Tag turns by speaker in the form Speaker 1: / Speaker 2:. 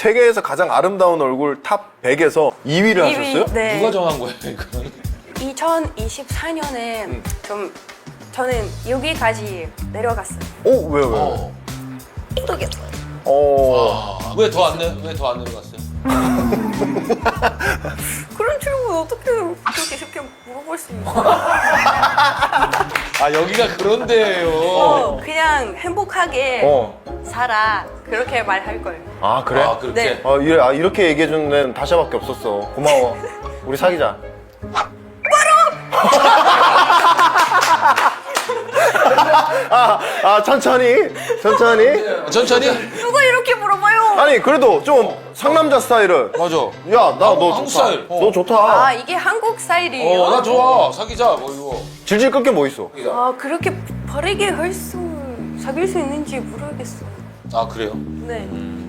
Speaker 1: 세계에서 가장 아름다운 얼굴 탑 100에서 2위를 하셨어요?
Speaker 2: 네.
Speaker 3: 누가 정한 거예요, 이건?
Speaker 2: 2024년에 저는 여기까지 내려갔어요.
Speaker 1: 왜요?
Speaker 3: 어.
Speaker 2: 모르겠어요.
Speaker 3: 왜 더 안 내려갔어요?
Speaker 2: 그런 질문 어떻게 그렇게 쉽게 물어볼 수 있어?
Speaker 3: 아, 여기가 그런 데예요.
Speaker 2: 그냥 행복하게 살아. 그렇게 말할 거예요.
Speaker 1: 아, 그래?
Speaker 3: 아, 그렇게?
Speaker 2: 네.
Speaker 1: 이렇게 얘기해주는 데는 다샤밖에 없었어. 고마워. 우리 사귀자. 천천히.
Speaker 3: 천천히?
Speaker 2: 누가 이렇게 물어봐요?
Speaker 1: 아니, 그래도 좀 상남자 스타일은.
Speaker 3: 맞아.
Speaker 1: 야, 나 너
Speaker 3: 한국
Speaker 1: 좋다.
Speaker 3: 스타일.
Speaker 1: 너 좋다.
Speaker 2: 아, 이게 한국 스타일이에요?
Speaker 3: 나 좋아. 사귀자, 뭐 이거.
Speaker 1: 질질 끌 게 뭐 있어?
Speaker 2: 아, 그렇게 빠르게 사귈 수 있는지 모르겠어요.
Speaker 3: 아, 그래요?
Speaker 2: 네.